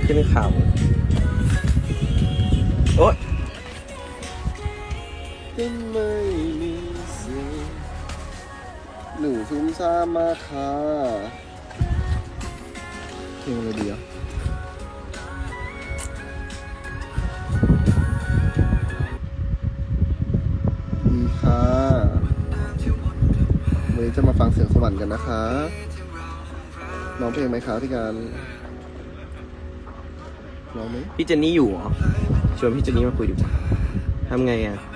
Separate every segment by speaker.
Speaker 1: ขึ้นเขาโอ๊ย
Speaker 2: ก็ไม่มีสิ่งหนึ่งซุ่มซ่ามมาค่ะเพลงอะไรดีอ่ะดีค่ะวันนี้จะมาฟังเสียงสวรรค์กันนะคะร้องเพลงไหมคะพี่การร้องไหม
Speaker 1: พี่เจนนี่อยู่เหรอชวนพี่เจนนี่มาคุยดีกว่าทำไงอ่ะ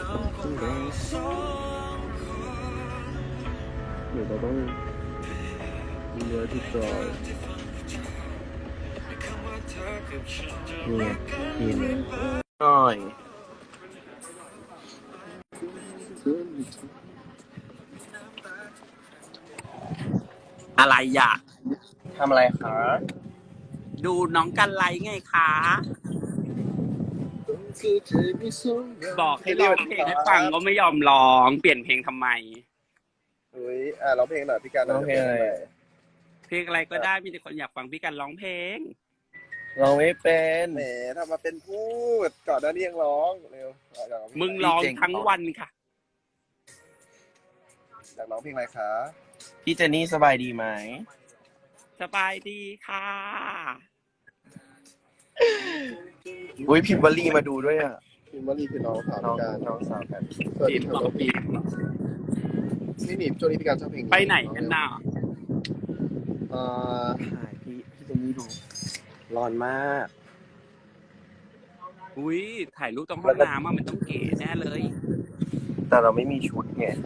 Speaker 2: หนูก็ต้องมีเนื้อที่จอย
Speaker 1: นี่ไงนี่หน่อยอะไรอ่ะทำอะไรคะ
Speaker 3: ดูน้องกันไลไงคะบอกให้ร้องเพลงให้ฟังก็ไม่ยอมร้องเปลี่ยนเพลงทำไม
Speaker 2: อุ้ยร้องเพลงหน่อยพี่การ
Speaker 1: ร้องเพลงอะไร
Speaker 3: เพลงอะไรก็ได้มีแต่คนอยากฟังพี่กันร้องเพลง
Speaker 1: ร้องไม่เป็น
Speaker 2: แหมถ้ามาเป็นพูดก่อนหน้านี้ยังร้องเร็วอยากร้องเพล
Speaker 3: มึงร้องทั้งวันค่ะ
Speaker 2: อยากร้องเพลงอะไรคะ
Speaker 1: พี่เจนนี่สบายดีไหม
Speaker 3: สบายดีค่ะ
Speaker 1: อุ้ยพิมพ์วลีมาดูด้วยอ่ะ
Speaker 2: พิมพ์ว่ารีคือน้องสาว
Speaker 1: น้อง
Speaker 2: พี่การ
Speaker 1: น้องสาวกัน
Speaker 2: สวัสดีครับน้องปีนี่หนีช่วงนี้พี่การชอบเพลง
Speaker 3: ไปไหนกันน่ะ
Speaker 1: ถ่ายพี่เจนนี่ดูร้อนมาก
Speaker 3: อุ้ยถ่ายรูปตรงห้องน้ำมันต้องเก๋แน่เลย
Speaker 1: แต่เราไม่มีชุดไง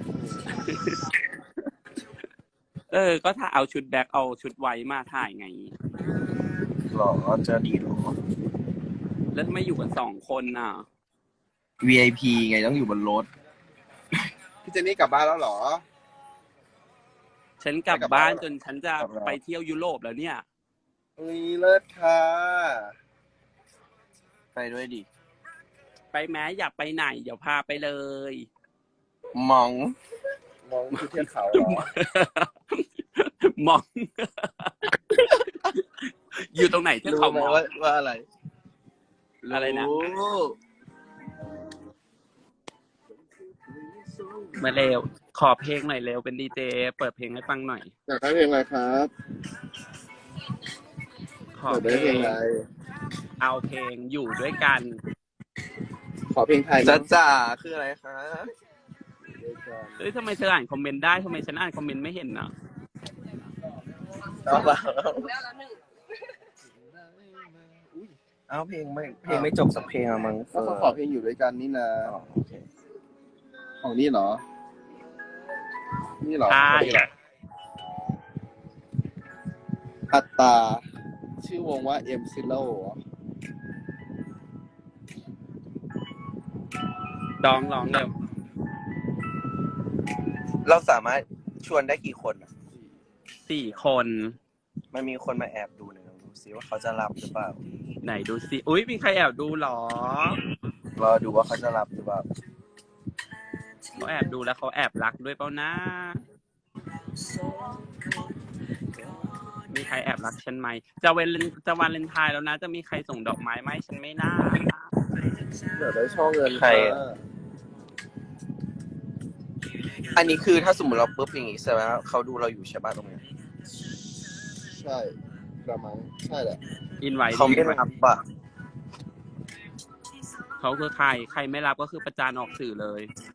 Speaker 3: ก็ถ้าเอาชุดแบ็คเอาชุดไว้มาถ่ายไง
Speaker 1: หรอจะดีหรอ
Speaker 3: แล้วทำไมอยู่กัน2 คนน่ะ
Speaker 1: VIP ไงต้องอยู่บนรถ
Speaker 2: พี่เจนนี่กลับบ้านแล้วเหรอ
Speaker 3: ฉันกลับบ้านจนฉันจะไปเที่ยวยุโรปแล้วเนี่ย
Speaker 2: อุ้ยเลิศค่ะ
Speaker 1: ไปด้วยดิ
Speaker 3: ไปแม้อยากไปไหน เดี๋ยวพาไปเลย
Speaker 1: มอง
Speaker 2: มองที่เทือกเขาเหรอ
Speaker 3: มอง อยู่ตรงไหนที่
Speaker 1: รู้
Speaker 3: เขา
Speaker 1: ไหม
Speaker 3: มอง
Speaker 1: ว่าอะไร
Speaker 3: อะไรนะ
Speaker 1: รู้
Speaker 3: มาเร็ว ขอเพลงหน่อยเร็วเป็นดีเจเปิดเพลงให้ฟังหน่อย
Speaker 2: อยากได้เพลงอะไรครับ
Speaker 3: ขอ
Speaker 2: อยาก
Speaker 3: เพ
Speaker 2: ได้เพ
Speaker 3: ล
Speaker 2: ลง
Speaker 3: ง
Speaker 2: อะไร
Speaker 3: เอาเพลงอยู่ด้วยกัน
Speaker 2: ขอเพลงไทย
Speaker 1: จ้า
Speaker 2: นะ
Speaker 1: จ๋าคืออะไรคะ
Speaker 3: เฮ้ยทำไมเธออ่านคอมเมนต์ได้ทำไมฉันอ่านคอมเมนต์ไม่เห็นน่ะ
Speaker 1: เอาเปล่าเอาเพลงไม่จบสักเพลงอะมั้ง
Speaker 2: ก็เขาขอเพลงอยู่ด้วยกันนี่นะ
Speaker 1: อ๋อโอเค
Speaker 2: ของนี่เหรอ นี่เหรอ
Speaker 3: ใช่
Speaker 2: นี่เหรออัตตา ชื่อวงว่า M Zero
Speaker 3: ร้องเร็ว
Speaker 1: เราสามารถชวนได้กี่คนอะ
Speaker 3: 4 คน
Speaker 1: มันมีคนมาแอบดูหน่อยลองดูซิว่าเขาจะรับหรือเปล่า
Speaker 3: ไหนดูสิอุ้ยมีใครแอบดูเหรอ
Speaker 1: รอดูว่าเขาจะรับหรือเปล่า
Speaker 3: เขาแอบดูแล้วเขาแอบรักด้วยเปล่านะมีใครแอบรักฉันไหมจะวาเลนไทน์แล้วนะจะมีใครส่งดอกไม้ไหมฉันไม่น่า
Speaker 2: เดี๋ยวได้ช่องเงิน
Speaker 1: ใครอะ อันนี้คือถ้าสมมติเราปุ๊บอย่างงี้ใช่ไหมเขาดูเราอยู่ใช่ป่ะตรงเนี้ย
Speaker 2: ใช่กระมังใช่แหละ
Speaker 3: อินไว้
Speaker 1: เขาไม่รับป่ะ
Speaker 3: เขาคือใครไม่รับก็คือประจานออกสื่อเลย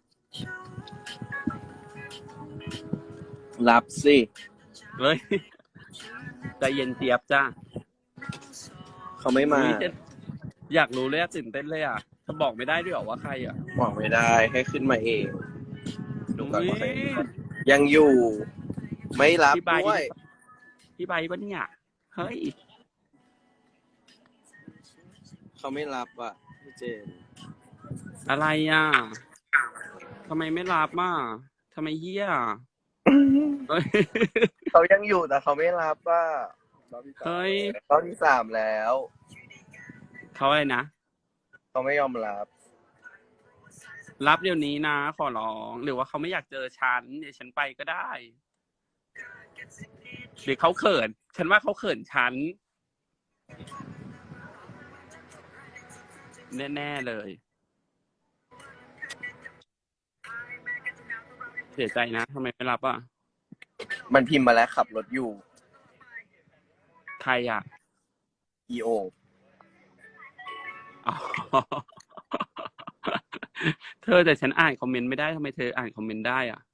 Speaker 1: รับสิ
Speaker 3: เฮ้ยใจเย็นเจี๊ยบจ้า
Speaker 1: เขาไม่มา
Speaker 3: อยากรู้เลยอะตื่นเต้นเลยอะจะบอกไม่ได้ด้วยเหรอว่าใครอะ
Speaker 1: บอกไม่ได้ให้ขึ้นมาเอง ดูก่อนว่าใคร
Speaker 3: อุ๊ย
Speaker 1: ยังอยู่ ไม่รับ
Speaker 3: พี่ใบ
Speaker 1: ด้วย
Speaker 3: พี่ใบปะเนี่ยเฮ้ย
Speaker 1: เขาไม่รับอ่ะพี่เจน
Speaker 3: อะไรอ่ะทำไมไม่รับอ่ะทำไมเฮี้ยเฮ้ย
Speaker 1: เขายังอยู่แต่เขาไม่รับอ่ะ
Speaker 3: เฮ้ย
Speaker 1: รอบที่3แล้ว
Speaker 3: เขาอะไรนะ
Speaker 1: เขาไม่ยอมรับ
Speaker 3: รับเดี๋ยวนี้นะขอร้องหรือว่าเขาไม่อยากเจอฉันเดี๋ยวฉันไปก็ได้หรือเขาเขิน ฉันว่าเขาเขินฉันแน่ๆเลย เสียใจนะทำไมไม่รับอ่ะ
Speaker 1: มันพิมพ์มาแล้วขับรถอยู่
Speaker 3: ใครอ่ะ
Speaker 1: EO
Speaker 3: อ๋อ เธอแต่ฉันอ่านคอมเมนต์ไม่ได้ทำไมเธออ่านคอมเมนต์ได้อ่ะ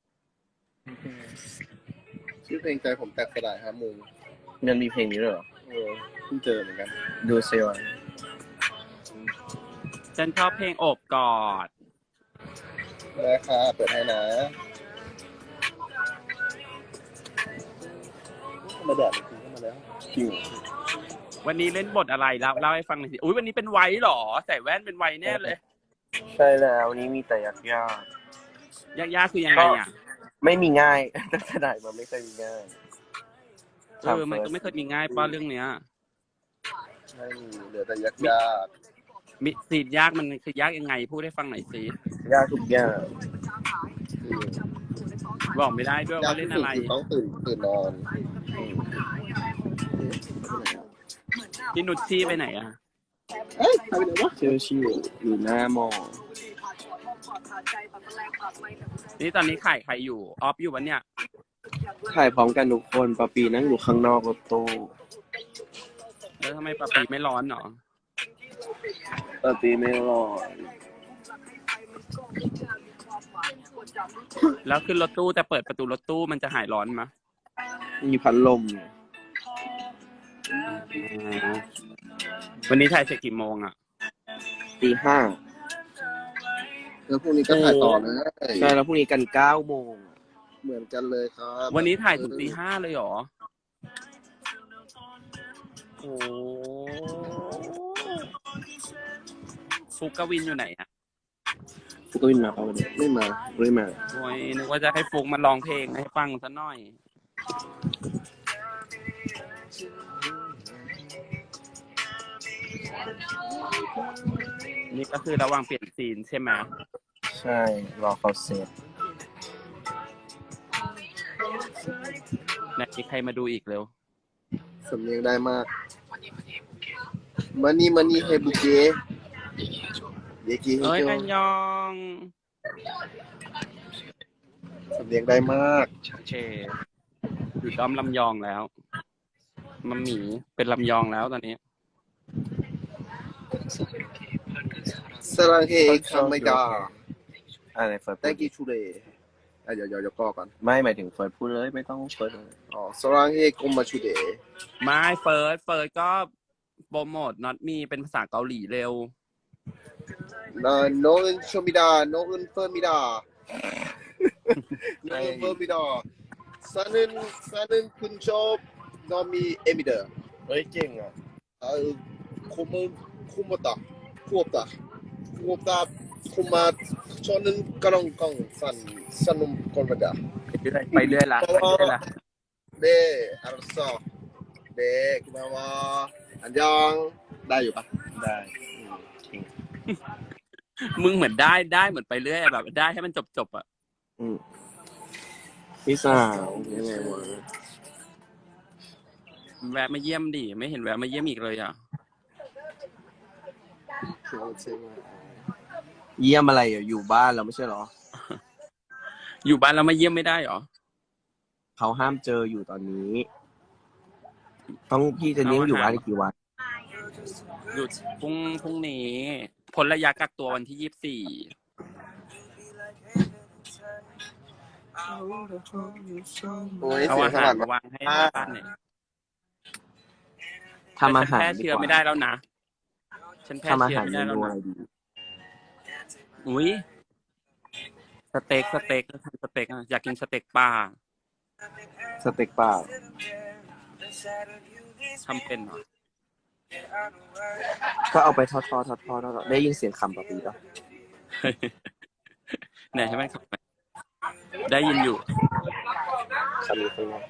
Speaker 2: ชื่อเพลงใจผมแตกสลายฮะมู
Speaker 1: มันมีเพลงนี้ด้วยเหรอ
Speaker 2: เพิ่งเจอเหมือนกัน
Speaker 1: ดูเซล
Speaker 3: ฉันชอบเพลงโอบกอด
Speaker 2: นะคะเปิดให้นะมาแดดจริงเข้ามาแล้วจริง
Speaker 3: วันนี้เล่นบทอะไรเล่าให้ฟังหน่อยสิอุ้ยวันนี้เป็นไวท์เหรอ ใส่แว่นเป็นไวท์แน่เลย
Speaker 1: ใช่แล้ววันนี้มีแต่ยาก
Speaker 3: ยากๆคือยังไงอ่ะ
Speaker 1: ๆไม่มีง่าย ตั้งแต่ไหนมาไม่เคยมีง่าย
Speaker 3: มันก็ไม่เคยมีง่ายป้าเรื่องเนี้ย
Speaker 2: ไม่มีเหลือแต่ยากยาก
Speaker 3: มิสีดยากมันคือยากยังไงพูดให้ฟังหน่อยสิ
Speaker 1: ยากทุกอย่าง
Speaker 3: บอกไม่ได้ด้วย
Speaker 2: ยาก
Speaker 3: ว่าเล่นอะไร
Speaker 2: คือต้องตื่นนอน
Speaker 3: พี่นุชชี่ไปไหนอ่ะ
Speaker 2: เอ้ยทำไปไหนวะ
Speaker 1: เชื่อชิวอยู่หน้ามอ
Speaker 3: นี่ตอนนี้ขายใครอยู่ออฟอยู่วันเนี้ย
Speaker 1: ถ่ายพร้อมกันทุกคนปะปีนั่งอยู่ข้างนอกรถตู้
Speaker 3: แล้วทำไมปะปีไม่ร้อนหรอ
Speaker 1: ปะปีไม่รอด
Speaker 3: แล้วขึ้นรถตู้แต่เปิดประตูรถตู้มันจะหายร้อนมะ
Speaker 1: มีพัดลม
Speaker 3: วันนี้ถ่ายเสร็จกี่โมงอ่ะ
Speaker 1: ตี 5
Speaker 2: แล้วพรุ่งนี้ก็ถ่ายต่อเลย
Speaker 1: ใช่แล้วพรุ่งนี้กัน9 โมง
Speaker 2: เหมือนกันเลยครับ
Speaker 3: วันนี้ถ่ายถึงตี 5เลยเหรอ โอ้ฟุกกวินอยู่ไหนอ่ะ
Speaker 1: ฟุกก็วินมาเปล่าวันนี้
Speaker 2: ไม่มา
Speaker 1: ไม่มา
Speaker 3: โอ้ยนึกว่าจะให้ฟุกมาร้องเพลงให้ฟังซะหน่อย นี่ก็คือระหว่างเปลี่ยนซีนใช่ไหม
Speaker 1: ใช่รอเขาเสร็จ
Speaker 3: ไหนมีใครมาดูอีกเร็ว
Speaker 2: สำเนียงได้มากมันนี่เฮบุเกะเยกิเฮ
Speaker 3: เอ้ย
Speaker 2: โจ
Speaker 3: กันยอง
Speaker 2: สำเนียงได้มาก
Speaker 3: โอเคอยู่ด้อมลำยองแล้วมัมหมีเป็นลำยองแล้วตอนนี้
Speaker 2: สรังเฮคัมไมดา
Speaker 1: อะไรเฟิร์ส
Speaker 2: thank you today เดี๋ยวก็ก่อน
Speaker 1: ไม่หมายถึงเฟิร์สพูดเลยไม่ต้องเฟิร์สเลย
Speaker 2: อ๋อสรังเฮกุมมาชูเดะ
Speaker 3: ไม่เฟิร์สก็โปรโมทน็อตมีเป็นภาษาเกาหลีเร็ว
Speaker 2: โนอึนโชมิดาโนอึนเฟิร์มิดาโนอึนเฟิร์มิดา사는 근처 너미 에미더
Speaker 1: เฮ้ยเก่งอ่ะ
Speaker 2: 아유 고맙다 고맙다 고마 저는 까랑깡 산놈 걸마다
Speaker 3: ไปเรื่อยละ
Speaker 2: 네 알았어 네 고마워 안녕 나อยู่ปะ
Speaker 1: ได้
Speaker 3: มึงเหมือนได้เหมือนไปเรื่อยแบบได้ให้มันจบอ่ะ
Speaker 1: พี่สาวยังไงวะ
Speaker 3: แวะมาเยี่ยมดิไม่เห็นแวะมาเยี่ยมอีกเลยอ่ะ
Speaker 1: เยี่ยมอะไรอ่ะอยู่บ้านเราไม่ใช่เหรอ
Speaker 3: อยู่บ้านแล้วมาเยี่ยมไม่ได้หรอ
Speaker 1: เขาห้ามเจออยู่ตอนนี้ ต้องพี่จะนี้อยู่บ้านกี่วัน
Speaker 3: หยุดพรุ่งนี้พ้นระยะกักตัววันที่
Speaker 2: โอ้ย
Speaker 3: 24เอา
Speaker 2: เสีย
Speaker 3: อาง
Speaker 2: ส
Speaker 3: หา
Speaker 2: ลั
Speaker 3: ร
Speaker 2: ด
Speaker 3: มาวางให้บ้านเนี่ย
Speaker 1: ทำอาหาร
Speaker 3: แพร่เชื้อไม่ได้แล้วนะฉันแพร่
Speaker 1: ทำอา
Speaker 3: เชื้อ
Speaker 1: หาร
Speaker 3: ไม่
Speaker 1: เม
Speaker 3: ได้แล้ว
Speaker 1: นู
Speaker 3: นะ
Speaker 1: อะไรดี
Speaker 3: อุ้ยสเต็กทำสเต็กอะอยากกินสเต็กปลา
Speaker 1: สเต็กเปล่า
Speaker 3: ทำเป็นเหรอ
Speaker 1: ก็เอาไปทอดได้ยินเสียงคำปะปีป่ะ
Speaker 3: ไหนให้มันขับไปได้ยินอยู่
Speaker 1: คำนี้เป็นไง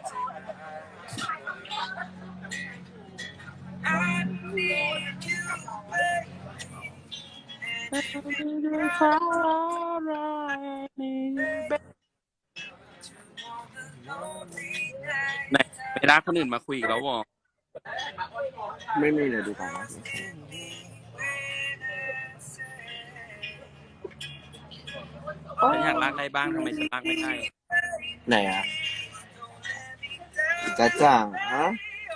Speaker 3: ไหนไปลากคนอื่นมาคุยอีกแล้ววะ
Speaker 1: ไม่มีเลยดีกว่านะ
Speaker 3: ฉันอยากลากได้บ้างทำไมฉันลากไม่ได้
Speaker 1: ไหนอ่ะจ้าจ้าฮะ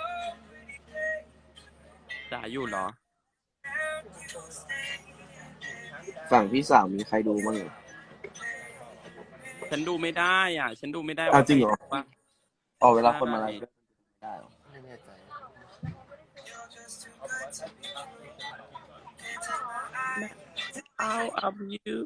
Speaker 3: จ๋าอยู่เหรอ
Speaker 1: ฝั่งพี่สาวมีใครดูบ้างเหรอ
Speaker 3: ฉันดูไม่ได้อ่ะ ฉันดูไม่ได้
Speaker 1: อ้าวจริงเหรอ
Speaker 3: ว่า
Speaker 1: อ๋อเวลาคนมาไลฟ์ด้วยไม่ได้เหรอ
Speaker 2: ไม่แน่ใจ
Speaker 3: Out of you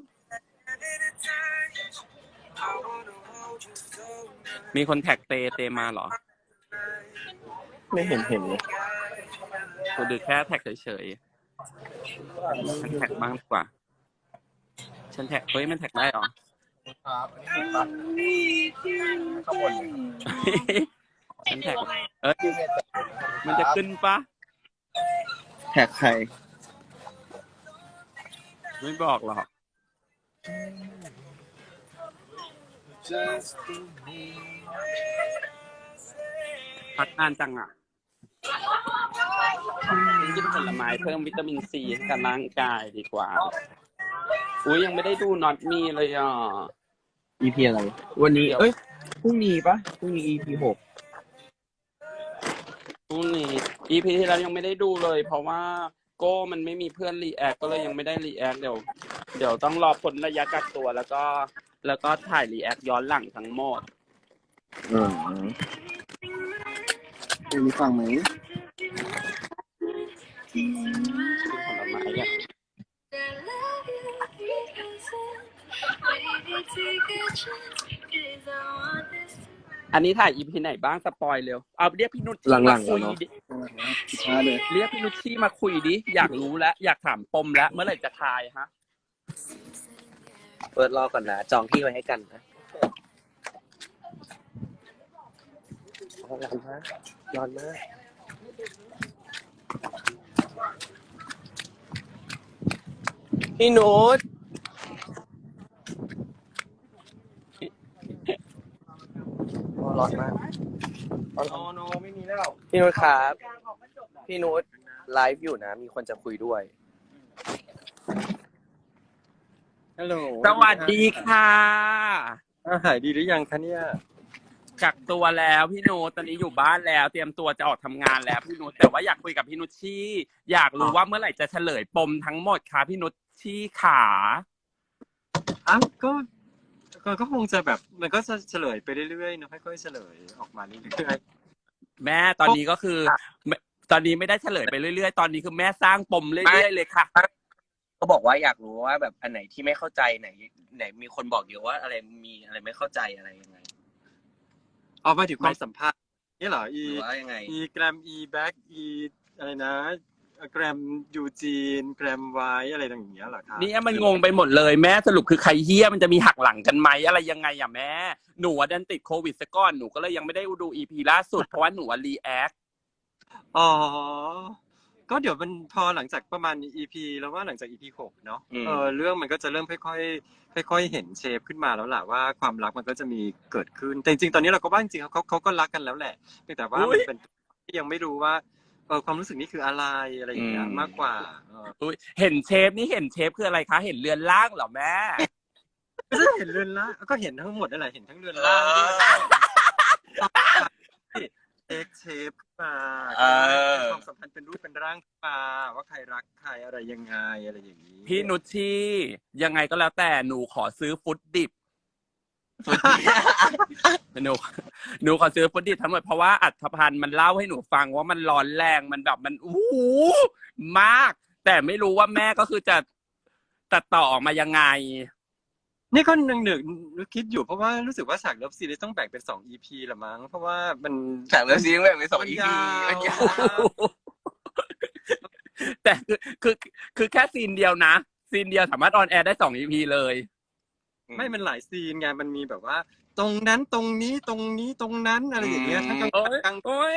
Speaker 3: มีคนแท็กเตมาเหรอ
Speaker 1: ไม่เห็นเลย
Speaker 3: กูดูแค่แท็กเฉยๆ ฉันแท็กบ้างดีกว่า ฉันแท็กเฮ้ยมันแท็กได้เหรอ
Speaker 2: ครับอันนี้เป็นข้างบน
Speaker 3: ฉันแท็กเอ้ยมันจะขึ้นปะ
Speaker 1: แท็กใคร
Speaker 3: ไม่บอกหรอก พักนานจังอ่ะกินผลไม้เพิ่มวิตามินซีให้กับร่างกายดีกว่า อุ้ยยังไม่ได้ดูน็อตมีเลยอ่ะ
Speaker 1: EP อะไร วันนี้ เอ้ย พรุ่งนี้ปะพรุ่งนี้ EP 6
Speaker 3: พรุ่งนี้ EP ที่แล้วยังไม่ได้ดูเลย เพราะว่าโก้มันไม่มีเพื่อนรีแอคก็เลยยังไม่ได้รีแอคเดี๋ยวต้องรอพ้นระยะกักตัวแล้วก็ถ่ายรีแอคย้อนหลังทั้งหมด
Speaker 2: มีฟังไหม
Speaker 3: กินผลไม้อ่ะอันนี้ถ่าย EP ไหนบ้างสปอยเร็วเอาเรียกพี่นุชชี่
Speaker 1: หลั
Speaker 3: มาง
Speaker 1: ๆ
Speaker 3: คุย
Speaker 1: เนอะ
Speaker 3: ดิ
Speaker 2: ช้าเลย
Speaker 3: เรียกพี่นุชชี่มาคุยดิอยากรู้แล้วอยากถามปมแล้วเมื่อไหร่จะทายฮะ
Speaker 1: เปิดรอก่อนนะ จองที่ไว้ให้กันนะร้อนมากร้อนมากพี่นุชร้อนมากโนไม่มีแล้วพี่นุชครับ พี่นุชไลฟ์อยู่นะ มีคนจะคุยด้วย
Speaker 2: ฮัลโหล
Speaker 3: สวัสดีค่ะ
Speaker 2: หายดีหรือยังคะเนี่ย
Speaker 3: กักตัวแล้วพี่นุชตอนนี้อยู่บ้านแล้ว เตรียมตัวจะออกทำงานแล้วพี่นุชแต่ว่าอยากคุยกับพี่นุชชี่อยากรู้ว่าเมื่อไหร่จะเฉลยปมทั้งหมดค่ะพี่นุชชี่ขา
Speaker 4: ก็คงจะแบบมันก็จะเฉลยไปเรื่อยๆเนอะค่อยๆเฉลยออกมาเรื่อย
Speaker 3: แม่ตอนนี้ก็คือตอนนี้ไม่ได้เฉลยไปเรื่อยๆตอนนี้คือแม่สร้างปมเรื่อยๆเลยค่ะ
Speaker 1: ก็บอกว่าอยากรู้ว่าแบบอันไหนที่ไม่เข้าใจไหนมีคนบอกเยอะว่าอะไรมีอะไรไม่เข้าใจอะไรยังไง
Speaker 4: ๆเอามาถึงความสัมพันธ์นี่เหรอ
Speaker 1: หรือว่ายังไง
Speaker 4: แกรมแบ็กอะไรนะแกรมยูจีนแกรมไวอะไรต่างอย่างเงี้ยเหรอครับ
Speaker 3: นี่มันงงไปหมดเลยแม่สรุปคือใครเฮี้ยมันจะมีหักหลังกันไหมอะไรยังไงอ่ะแม่หนูดันติดโควิดซะก่อนหนูก็เลยยังไม่ได้ดูอีพีล่าสุดเพราะว่าหนูรีแอค
Speaker 4: อ๋อก็เดี๋ยวมันพอหลังจากประมาณ EP แล้วว่าหลังจาก EP 6เนาะเรื่องมันก็จะเริ่มค่อยๆเห็นเชฟขึ้นมาแล้วล่ะว่าความรักมันก็จะมีเกิดขึ้นแต่จริงๆตอนนี้เราก็ว่าจริงๆเขาก็รักกันแล้วแหละเพียงแต่ว่ามันเป็นที่ยังไม่รู้ว่าความรู้สึกนี้คืออะไรอย่างเงี้ยมากกว่า
Speaker 3: อุ๊ยเห็นเชฟคืออะไรคะเห็นเรือนร่างเหรอแม่
Speaker 4: ก็จะเห็นเรือนล่างก็เห็นทั้งหมดนั่นแหละเห็นทั้งเรือนล่างด้วยเชฟมาความสัมพันธ์เป็นรูปเป็นร่างมาว่าใครรักใครอะไรยังไงอะไรอย่างนี้
Speaker 3: พี่นุชชี่ยังไงก็แล้วแต่หนูขอซื้อฟุตดิบหนูขอซื้อฟุตดิบทั้งหมดเพราะว่าอัธพันธ์มันเล่าให้หนูฟังว่ามันร้อนแรงมันแบบมันมาก แต่ไม่รู้ว่าแม่ก็คือจะตัดต่อออกมายังไง
Speaker 4: นี่ก็นึกคิดอยู่เพราะว่ารู้สึกว่าฉากเลิฟซีนต้องแบ่งเป็น2 EP ละมั้งเพราะว่ามัน
Speaker 1: ฉากเลิฟซีนแบ่งเป็น2 EP
Speaker 4: มันยาว
Speaker 3: แต่คือแค่ซีนเดียวนะซีนเดียวสามารถออนแอร์ได้2 EP เลย
Speaker 4: ไม่มันหลายซีนไงมันมีแบบว่า ตรงนั้นตรงนี้ตรงนี้ตรงนั้นอะไรอย่างเงี้ยทั้งกลาง
Speaker 3: โอ้ย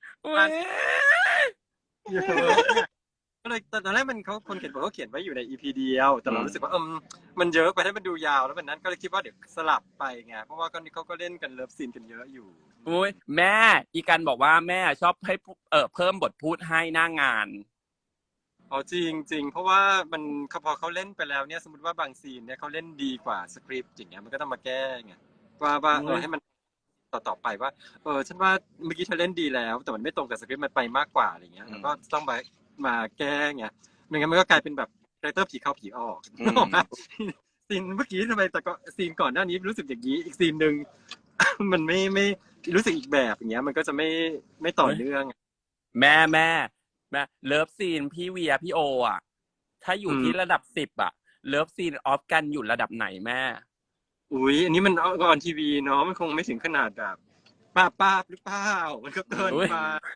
Speaker 4: ก็เลยตอนแรกมันคนเขียนบทเขาเขียนไว้อยู่ใน EP เดียวแต่เรารู้สึกว่ามันเยอะไปให้มันดูยาวแล้ววันนั้นก็เลยคิดว่าเดี๋ยวสลับไปไงเพราะว่าเขาก็เล่นกันเลิฟซีนกันเยอะอยู่
Speaker 3: โอ้ยแม่อีกันบอกว่าแม่ชอบให้เพิ่มบทพูดให้หน้างาน
Speaker 4: อ๋อจริงจริงเพราะว่ามันพอเขาเล่นไปแล้วเนี่ยสมมติว่าบางซีนเนี่ยเขาเล่นดีกว่าสคริปต์อย่างเงี้ยมันก็ต้องมาแก้ไงว่าให้มันต่อไปว่าฉันว่าเมื่อกี้เธอเล่นดีแล้วแต่มันไม่ตรงกับสคริปต์มันไปมากกว่าอะไรเงี้ยแล้วก็ต้องมาแก้ไงไม่งั้นมันก็กลายเป็นแบบคาแรคเตอร์ผีเข้าผีออกนึกออกไหมซีนเมื่อกี้ทำไมแต่ก็ซีนก่อนหน้านี้รู้สึกอย่างนี้อีกซีนหนึ่ง มันไม่รู้สึกอีกแบบอย่างเงี้ยมันก็จะไม่ต่อเนื่อง
Speaker 3: แม่เลิฟซีนพี่เวียพี่โออ่ะถ้าอยู่ที่ระดับ10อ่ะเลิฟซีนออฟกันอยู่ระดับไหนแม่
Speaker 4: อุ้ยอันนี้มันออนทีวีเนาะมันคงไม่ถึงขนาดแบบป้าหรือเปล่ามันก็เกินไป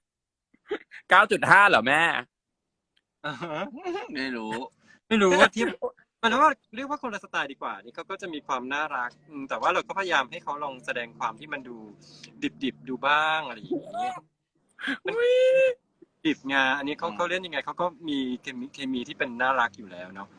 Speaker 3: 9.5 เหรอแม่
Speaker 4: อ่าฮะ
Speaker 1: ไม่รู้
Speaker 4: ไม่รู้ว่าเทียบมันว่าเรียกว่าคนละสไตล์ดีกว่านี่เขาก็จะมีความน่ารักแต่ว่าเราก็พยายามให้เขาลองแสดงความที่มันดูดิบดูบ้างอะไรอย่างเงี้ยมันดิบไงอันนี้เขาเล่นยังไงเขาก็มีเคมีที่เป็นน่ารักอยู่แล้วเนาะ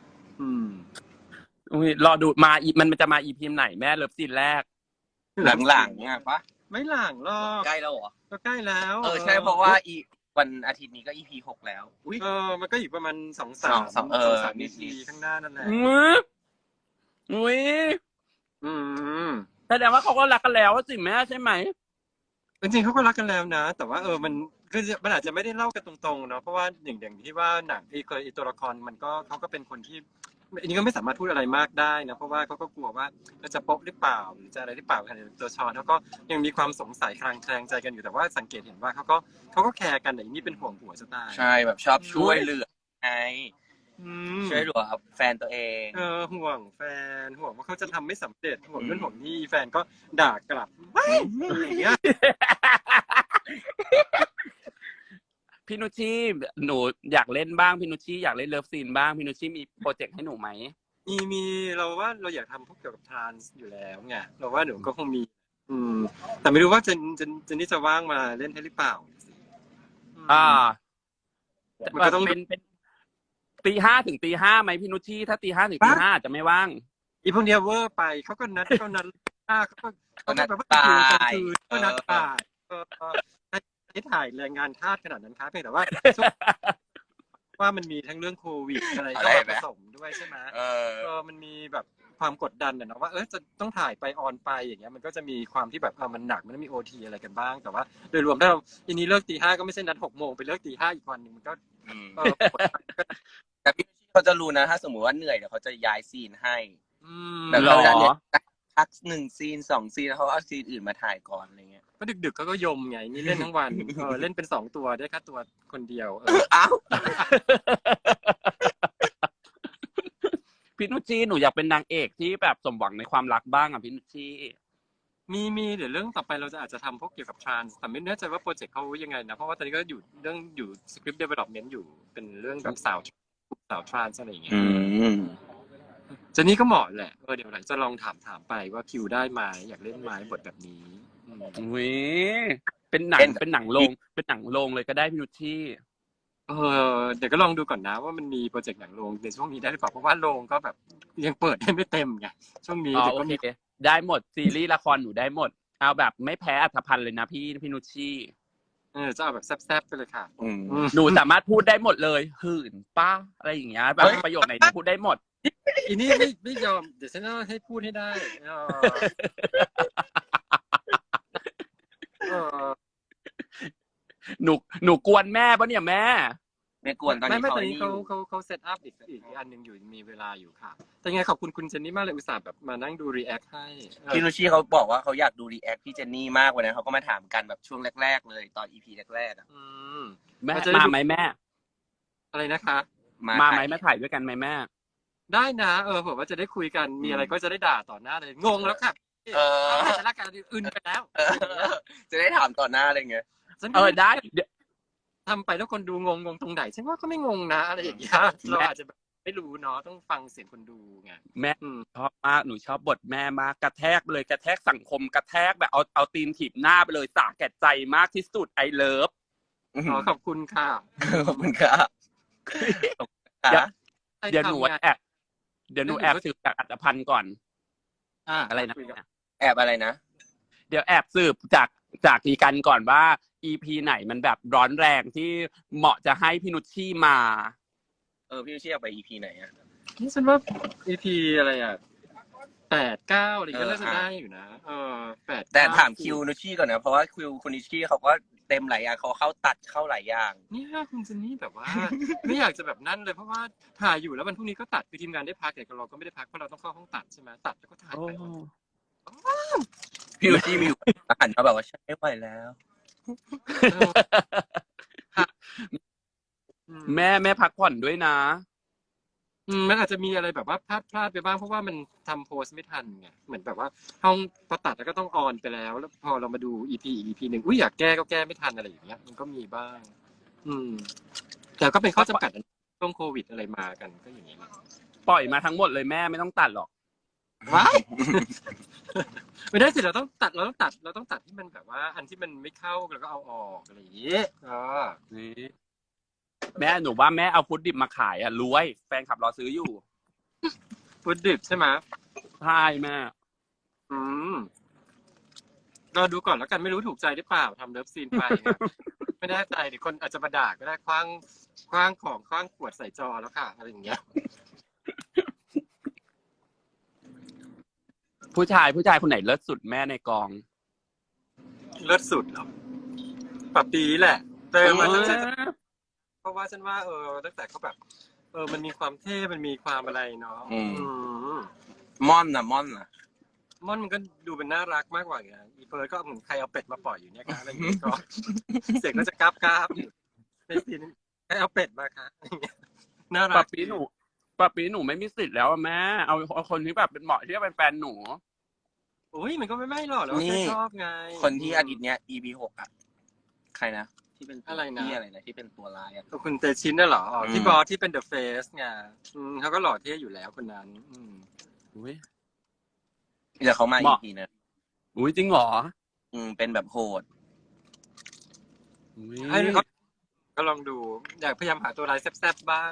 Speaker 3: รอดูมันจะมาอีพีไหนแม่เลิฟซีนแรก
Speaker 1: หลังๆอ่ะปะ
Speaker 4: ไม่หลังหรอก
Speaker 1: ใกล้แล้วเหรอ
Speaker 4: ก็ใกล้แล้ว
Speaker 1: ใช่เพราะว่าวันอาทิตย์นี้ก็ EP 6 แล้วอุ้ย
Speaker 4: มันก็อยู่ประมาณ2-3 นาทีข้างหน้านั่นแหละ
Speaker 3: อุ้ยแสดงว่าเขาก็รักกันแล้วสิแม่ใช่ไหม
Speaker 4: จริงๆเขาก็รักกันแล้วนะแต่ว่ามันคือมันอาจจะไม่ได้เล่ากันตรงๆเนาะเพราะว่าอย่างที่ว่าหนังตัวละครมันก็เขาก็เป็นคนที่อันนี้ก็ไม่สามารถพูดอะไรมากได้นะเพราะว่าเขาก็กลัวว่าจะโป๊ะหรือเปล่าหรือจะอะไรหรือเปล่าตัวชอนเขาก็ยังมีความสงสัยคลางแคลงใจกันอยู่แต่ว่าสังเกตเห็นว่าเขาก็แคร์กันแต่อันนี้เป็นห่วงผัวจะตาย
Speaker 1: ใช่แบบชอบช่วยเหลือไงช่วยเหลือแฟนตัวเอง
Speaker 4: ห่วงแฟนห่วงว่าเขาจะทำไม่สำเร็จห่วงเรื่องห่วงนี่แฟนก็ด่ากลับอย่างเงี้ย
Speaker 3: พี่นุชชี่หนูอยากเล่นบ้างพี่นุชชี่อยากเล่นเลิฟซีนบ้างพี่นุชชี่มีโปรเจกต์ให้หนูไหม
Speaker 4: มีเราว่าเราอยากทำพวกเกี่ยวกับทรานส์อยู่แล้วไงเราว่าหนูก็คงมีแต่ไม่รู้ว่าจะนี่จะว่างมาเล่นให้หรือเปล่า
Speaker 3: มันก็ต้องเป็นตี 5 ถึงตี 5ไหมพี่นุชชี่ถ้าตี 5 ถึงตี 5จะไม่ว่าง
Speaker 4: อีพวกเนี้ยเวอร์ไปเขาก็นัดเขาแบบว่าคืนก็นัดบ่ายให้ถ่ายแรงงานทาสขนาดนั้นครับเพียงแต่ว่าว่ามันมีทั้งเรื่องโควิดอะไรก็ผสมด้วยใช่ไหมมันมีแบบความกดดันนะว่าจะต้องถ่ายไปออนไปอย่างเงี้ยมันก็จะมีความที่แบบมันหนักมันมี OT อะไรกันบ้างแต่ว่าโดยรวมถ้าเราทีนี้เลิกตี 5ก็ไม่ใช่นัด 6 โมงไปเลิกตี 5อีกวันนึงมันก็
Speaker 1: แต่พี่เขาจะรู้นะถ้าสมมติว่าเหนื่อยเดี๋ยวเขาจะย้ายซีนให้
Speaker 3: แบบเวลาเนี่ย
Speaker 1: พัก1 ซีน 2 ซีนแล้วเขาเอาซีนอื่นมาถ่ายก่อนอะไรเงี้ย
Speaker 4: ก็ดึกๆเขาก็ยมไงนี่เล่นทั้งวันเล่นเป็น2 ตัวได้แค่ตัวคนเดียว
Speaker 1: อ้าว
Speaker 3: พี่นุชชี่หนูอยากเป็นนางเอกที่แบบสมหวังในความรักบ้างอ่ะพี่นุชชี่
Speaker 4: มีเดี๋ยวเรื่องต่อไปเราจะอาจจะทำพวกเกี่ยวกับทรานส์แต่ไม่แน่ใจว่าโปรเจกต์เขายังไงนะเพราะว่าตอนนี้ก็อยู่สคริปต์เดเวลลอปเมนต์อยู่เป็นเรื่องแบบสาวทรานส์อะไรอย่างเงี้ยเจนนี่ก็เหมาะแหละเดี๋ยวหลังจะลองถามไปว่าคิวได้ไหมอยากเล่นไหมบทแบบนี้
Speaker 3: เป็นหนังโรงเลยก็ได้พี่นุชชี่
Speaker 4: เดี๋ยวก็ลองดูก่อนนะว่ามันมีโปรเจกต์หนังโรงในช่วงนี้ได้หรือเปล่าเพราะว่าโรงก็แบบยังเปิดได้ไม่เต็มไงช่วงนี้
Speaker 3: เดี๋ยวก็มีได้หมดซีรีส์ละครหนูได้หมดเอาแบบไม่แพ้อัธพันธ์เลยนะพี่นุชชี่
Speaker 4: จะเอาแบบแซ่บๆไปเลยค่ะ
Speaker 3: หนูสามารถพูดได้หมดเลยหื่นป้าอะไรอย่างเงี้ยแบบประโยคไหนหนูพูดได้หมด
Speaker 4: อีนี่ไม่ยอมเดี๋ยวฉันต้องให้พูดให้ได้
Speaker 3: หนูกวนแม่ปะเนี่ยแม่
Speaker 1: ไม่กวนตอนนี้
Speaker 4: ตอนนี้เขาเซตอัพอีกอันนึงอยู่มีเวลาอยู่ค่ะแต่ไงขอบคุณคุณเจนนี่มากเลยอุตส่าห์แบบมานั่งดูรีแอคให้
Speaker 1: พี่นุชชี่เขาบอกว่าเขาอยากดูรีแอคพี่เจนนี่มากวันนั้นเขาก็มาถามกันแบบช่วงแรกๆเลยตอน EP แรก
Speaker 3: ๆแม่มาไหมแม่
Speaker 4: อะไรนะคะ
Speaker 3: มาไหมมาถ่ายด้วยกันไหมแม่
Speaker 4: ได้นะผมว่าจะได้คุยกันมีอะไรก็จะได้ด่าต่อหน้าเลยงงแล้วค่ะจะรักกันอื่นไปแล้ว
Speaker 1: จะได้ถามต่อหน้าอะไรเงี้ย
Speaker 3: ได้
Speaker 4: ทำไปแล้วคนดูงงตรงไหนฉันว่าก็ไม่งงนะอะไรอย่างเงี้ยเราอาจจะไม่รู้เนาะต้องฟังเสียงคนดูไง
Speaker 3: แม่ชอบมากหนูชอบบทแม่มากกระแทกเลยกระแทกสังคมกระแทกแบบเอาตีนถีบหน้าไปเลยสาแก่ใจมากที่สุดไอเลิฟ
Speaker 4: ขอบคุณค่ะ
Speaker 1: ขอบคุณค่ะ
Speaker 3: เดี๋ยวหนูแอบสืบจากอัตภัณฑ์ก่อนอะไรนะ
Speaker 1: แอบอะไรนะ
Speaker 3: เดี๋ยวแอบสืบจากดีกันก่อนว่า EP ไหนมันแบบร้อนแรงที่เหมาะจะให้พี่นุชชี่มา
Speaker 1: พี่นุชชี่อยากไป EP ไหนอ่ะ
Speaker 4: นี่ฉันว่า EP อะไรอ่ะ8-9อะไรก็น่าจะ
Speaker 1: เออ
Speaker 4: ได้อยู่นะ8-9
Speaker 1: แต่ถามคิวนุชชี่ก่อนนะเพราะว่าคิวคุณนุชชี่เขาก็เต็มหลายอย่างเขาเข้าตัดเข้าหลายอย่าง
Speaker 4: เนี่ยคุณเจนนี่แบบว่า ไม่อยากจะแบบนั่นเลยเพราะว่าถ่ายอยู่แล้ววันพรุ่งนี้ก็ตัดคือทีมงานได้พักแต่เราก็ไม่ได้พักเพราะเราต้องเข้าห้องตัดใช่ไหมตัดแล้วก็ถ่ายไป
Speaker 1: พี่นุชชี่มีอยู่หันมาแบบว่าฉันไม่ไหวแล้ว
Speaker 3: แม่พักผ่อนด้วยนะ
Speaker 4: มันอาจจะมีอะไรแบบว่าพลาดไปบ้างเพราะว่ามันทำโพสไม่ทันไงเหมือนแบบว่าห้องพอตัดแล้วก็ต้องออนไปแล้วพอเรามาดู EP อีก EP หนึ่งอยากแก้ก็แก้ไม่ทันอะไรอย่างเงี้ยมันก็มีบ้าง แต่ก็เป็นข้อจำกัดช่วงโควิดอะไรมากันก็อย่างนี้แหละ
Speaker 3: ปล่อยมาทั้งหมดเลยแม่ไม่ต้องตัดหรอก
Speaker 4: ว้าย ไม่ได้สิเราต้องตัดที่มันแบบว่า อันที่มันไม่เข้าแล้วก็เอาออกอะไรอย่างงี้
Speaker 3: นี่แม่หนูว่าแม่เอาฟุตดิบมาขายอ่ะรวยแฟนขับรอซื้ออยู่
Speaker 4: ฟุตดิบใช่ไหม
Speaker 3: ใช่แม่
Speaker 4: เราดูก่อนแล้วกันไม่รู้ถูกใจหรือเปล่าทำเลิฟซีนไปเนี่ยไม่แน่ใจเดี๋ยวคนอาจจะมาด่าก็ได้คว้างของคว้างขวดใส่จอแล้วค่ะอะไรอย่างเงี้ย
Speaker 3: ผู้ชายคนไหนเลิศสุดแม่ในกอง
Speaker 4: เลิศสุดเหรอปะปีแหละแต่มันเพราะว่าฉันว่าตั้งแต่เขาแบบมันมีความเท่มันมีความอะไรเนาะ
Speaker 1: ม่อนนะ
Speaker 4: ม่อนมันก็ดูเป็นน่ารักมากกว่าไงอีเฟิร์สก็เหมือนใครเอาเป็ดมาปล่อยอยู่เนี่ยค่ะอะไรอย่างเงี้ยก็เสียงก็จะกราบอยู่ในซีนใครเอาเป็ดมาคะน่ารัก
Speaker 3: ปะปีหนูไม่มีสิทธิ์แล้วแม่เอาคนที่แบบเป็นเหมาะที่จะเป็นแฟนหนู
Speaker 4: อุ้ยมันก็ไม่หรอกแล้วแค่ชอบไง
Speaker 1: คนที่อาทิตย์เนี้ย EP 6อ่ะใครนะที่เป็น
Speaker 4: อะไรนะ
Speaker 1: ที่เป็นตัวร้ายอ่ะ
Speaker 4: คุณเตชินน่ะเหรอที่บอสที่เป็นเดอะเฟสไงเขาก็หล่อเท่อยู่แล้วคนนั้น
Speaker 3: อุ้ย
Speaker 1: เดี๋ยวเขามา EP นะ
Speaker 3: อุ้ยจริงเหรอ
Speaker 1: เป็นแบบโหด
Speaker 4: ให้เขาก็ลองดูอยากพยายามหาตัวร้ายแซ่บๆบ้าง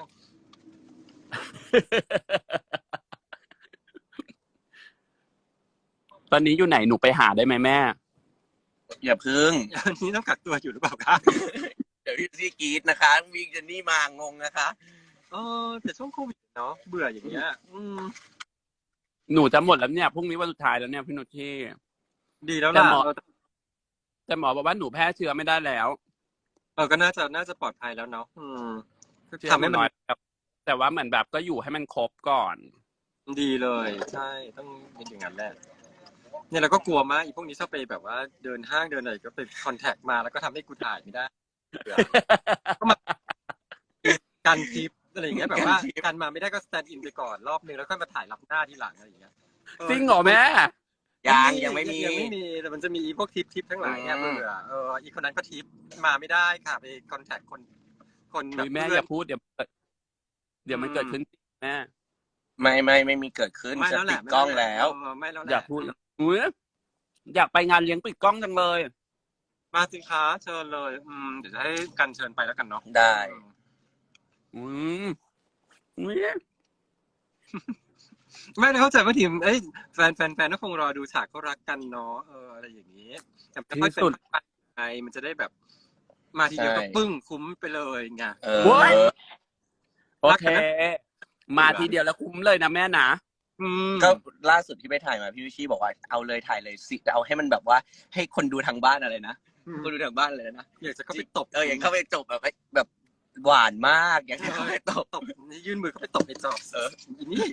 Speaker 3: ตอนนี้อยู่ไหนหนูไปหาได้ไหมแม่
Speaker 1: อย่าพึ่ง
Speaker 4: อันนี้ต้องกักตัวอยู่หรือเปล่าคะ
Speaker 1: เดี๋ยวพี่ซีกรีดนะคะวิ่งจะนี่มางงนะคะ
Speaker 4: แต่ช่วงโควิดเนาะเบื่ออย่างเงี้ย
Speaker 3: หนูจะหมดแล้วเนี่ยพรุ่งนี้วันสุดท้ายแล้วเนี่ยพี่นุชที่
Speaker 4: ดีแล้วล่ะ
Speaker 3: แต่หมอบอกว่าหนูแพ้เชื้อไม่ได้แล้ว
Speaker 4: ก็น่าจะปลอดภัยแล้วเนาะ
Speaker 3: ทำให้น้อยแต่ว่าเหมือนแบบก็อยู่ให้มันครบก่อน
Speaker 4: ดีเลยใช่ต้องเป็นอย่างนั้นแหละเนี่ยเราก็กลัวมากอีพวกนี้ชอบไปแบบว่าเดินห้างเดินอะไรก็ไปคอนแทคมาแล้วก็ทำให้กูถ่ายไม่ได้ก็มาการทิปอะไรอย่างเงี้ยแบบว่าการมาไม่ได้ก็สแตนด์อินไปก่อนรอบนึงแล้วค่อยมาถ่ายรับหน้าทีหลังอะไรอย่างเงี้ย
Speaker 3: จริงเหรอแม่
Speaker 1: ยังไม่มี
Speaker 4: แต่มันจะมีพวกทิปทั้งหลายเนี่ยเบื่ออีคนนั้นก็ทิปมาไม่ได้ค่ะไปคอนแทคคน
Speaker 3: แบบแม่อย่าพูดเดี๋ยวมันเกิดขึ้นแม่
Speaker 1: ไม่มีเกิดขึ้นจะปิดกล้องแล้ว
Speaker 4: ไม่แล้ว
Speaker 3: อย่าพูดอยากไปงานเลี้ยงปิดกล้องจังเลย
Speaker 4: มาสิคะเชิญเลยเดี๋ยวจะให้กันเชิญไปแล้วกันเนาะ
Speaker 1: ได้
Speaker 4: ไม่ได้เข้าใจว่าทีมแฟนก็คงรอดูฉากเขารักกันเนาะอะไรอย่างนี้แต่ไม่ค่อยเป็นไงมันจะได้แบบมาทีเดียวก็ปึ้งคุ้มไปเลยไง
Speaker 3: โอเคมาทีเดียวแล้วคุ้มเลยนะแม่นะ
Speaker 1: ก็ล่าสุดที่ไปถ่ายมาพี่วิชีบอกว่าเอาเลยถ่ายเลยสิเอาให้มันแบบว่าให้คนดูทางบ้านอะไรนะคนดูทางบ้านเลยนะ
Speaker 4: อยากจะเข้าไปตบ
Speaker 1: อยากเข้าไปจบแบบหวานมากอยากเข้าไปตบ
Speaker 4: นี่ยื่นมือเข้าไปตบไอ้จอบนี่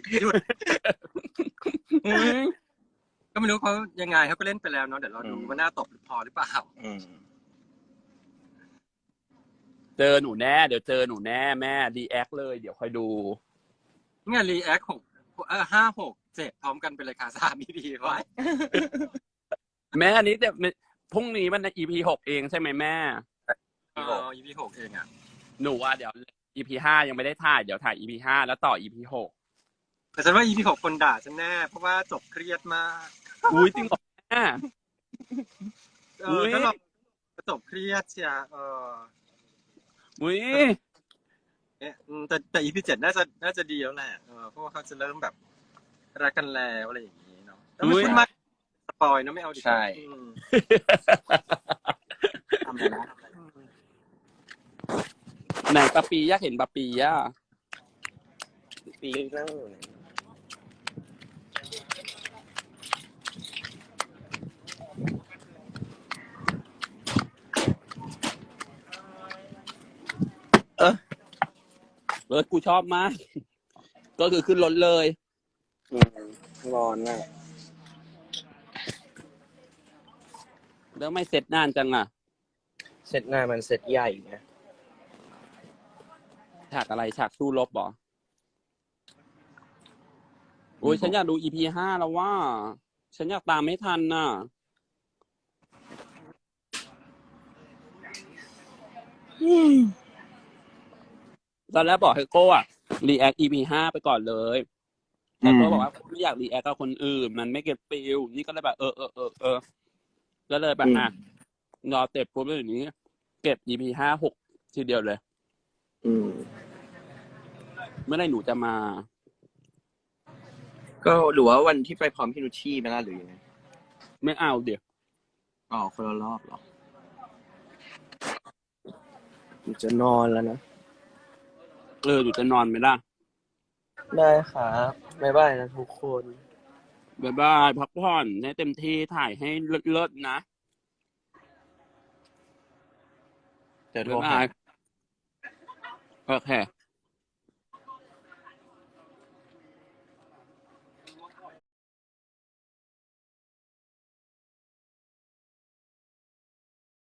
Speaker 4: ก็ไม่รู้เขายังไงเขาก็เล่นไปแล้วเนาะเดี๋ยวเราดูว่าหน้าตบพอหรือเปล่า
Speaker 3: เจอหนูแน่เดี๋ยวเจอหนูแน่แม่รีแอคเลยเดี๋ยวคอยดู
Speaker 4: เนี่ยรีแอค5 6 7พร้อมกันไปเลยค่ะ3 EP ไว้
Speaker 3: แม่อันนี้แต่พรุ่งนี้มัน EP 6เองใช่ไหมแม่
Speaker 4: EP 6เองอ่ะ
Speaker 3: หนูว่าเดี๋ยว EP 5ยังไม่ได้ถ่ายเดี๋ยวถ่าย EP 5แล้วต่อ EP 6
Speaker 4: แต่ฉันว่า EP 6คนด่าฉันแน่เพราะว่าจบเครียดมาก
Speaker 3: อุ้ยจริงเหรอแม่
Speaker 4: ก็เราจบเครียดเชีย
Speaker 3: อุ้ย
Speaker 4: แต่ EP 7น่าจะดีแล้วแหละเพราะว่าเขาจะเริ่มแบบรักกันแล้วอะไรอย่างนี้เนาะแต่ไม่พูดมากสปอยเนาะไม่เอาดิ
Speaker 1: ใช่
Speaker 3: ทำเลยนะไหนปะปีอยากเห็นปะปีอ่ะ
Speaker 1: ปีนั่งอยู่ไหนเออ
Speaker 3: รถกูชอบมาก ก็คือขึ้นรถเลย
Speaker 1: ร้อนน่ะ
Speaker 3: แล้วไม่เสร็จนานจังอ่ะ
Speaker 1: เซตหน้ามันเซตใหญ่ไง
Speaker 3: ฉากอะไรฉากสู้รบเหรอโอ้ยฉันอยากดู EP 5แล้วว่า ฉันอยากตามไม่ทันน่ะ ตอนแรกบอกให้โก้อะรีแอค EP 5ไปก่อนเลยแต่โก้บอกว่าไม่อยากรีแอคกับคนอื่น มันไม่เก็ตฟิลนี่ก็เลยแบบก็เลยแบบรอเต็บปุ๊บแล้วอย่างนี้ เก็บ EP 5 6ทีเดียวเลย เมื่อไหร่หนูจะมา
Speaker 1: ก็หรือว่าวันที่ไปพร้อมพี่นุชชี่ไหมล่ะหรือยังไง
Speaker 3: ไม่เอาเดี๋ยว
Speaker 1: อ๋อคนละรอบเหรอจะนอนแล้วนะ
Speaker 3: หนูจะนอนไหมล่ะ
Speaker 1: ได้ครับบ๊ายบายนะทุกคน
Speaker 3: บ๊ายบายพักผ่อนให้เต็มที่ถ่ายให้เลิศๆนะ
Speaker 1: เดี๋ยวโทร
Speaker 3: บ๊าย
Speaker 1: หา
Speaker 3: บายโอเค